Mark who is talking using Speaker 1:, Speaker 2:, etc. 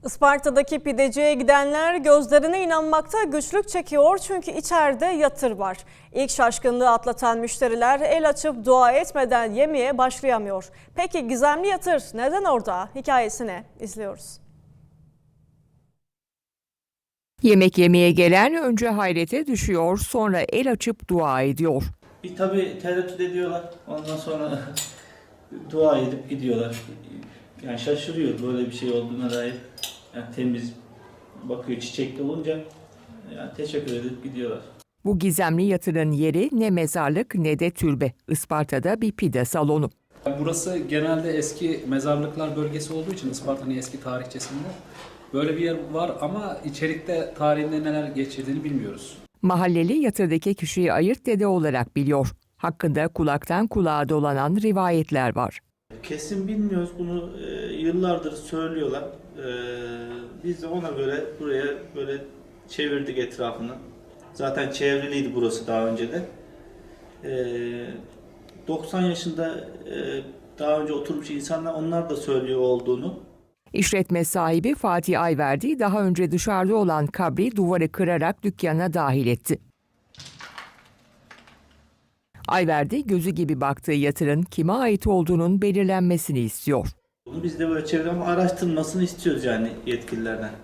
Speaker 1: Isparta'daki pideciye gidenler gözlerine inanmakta güçlük çekiyor çünkü içeride yatır var. İlk şaşkınlığı atlatan müşteriler el açıp dua etmeden yemeye başlayamıyor. Peki gizemli yatır neden orada? Hikayesini izliyoruz.
Speaker 2: Yemek yemeye gelen önce hayrete düşüyor, sonra el açıp dua ediyor.
Speaker 3: Bir tabii tereddüt ediyorlar. Ondan sonra dua edip gidiyorlar. Yani şaşırıyor böyle bir şey olduğuna dair. Yani temiz bakıyor çiçekli olunca yani teşekkür edip gidiyorlar.
Speaker 2: Bu gizemli yatırın yeri ne mezarlık ne de türbe. Isparta'da bir pide salonu.
Speaker 4: Burası genelde eski mezarlıklar bölgesi olduğu için Isparta'nın eski tarihçesinde böyle bir yer var ama içerikte tarihinde neler geçirdiğini bilmiyoruz.
Speaker 2: Mahalleli yatırdaki kişiyi ayırt dede olarak biliyor. Hakkında kulaktan kulağa dolanan rivayetler var.
Speaker 3: Kesin bilmiyoruz bunu yıllardır söylüyorlar. Biz de ona göre buraya böyle çevirdik etrafını. Zaten çevriliydi burası daha önce de. 90 yaşında daha önce oturmuş insanlar onlar da söylüyor olduğunu.
Speaker 2: İşletme sahibi Fatih Ayverdi daha önce dışarıda olan kabri duvarı kırarak dükkana dahil etti. Ayverdi gözü gibi baktığı yatırın kime ait olduğunun belirlenmesini istiyor.
Speaker 3: Biz de böyle çevre ama araştırılmasını istiyoruz yani yetkililerden.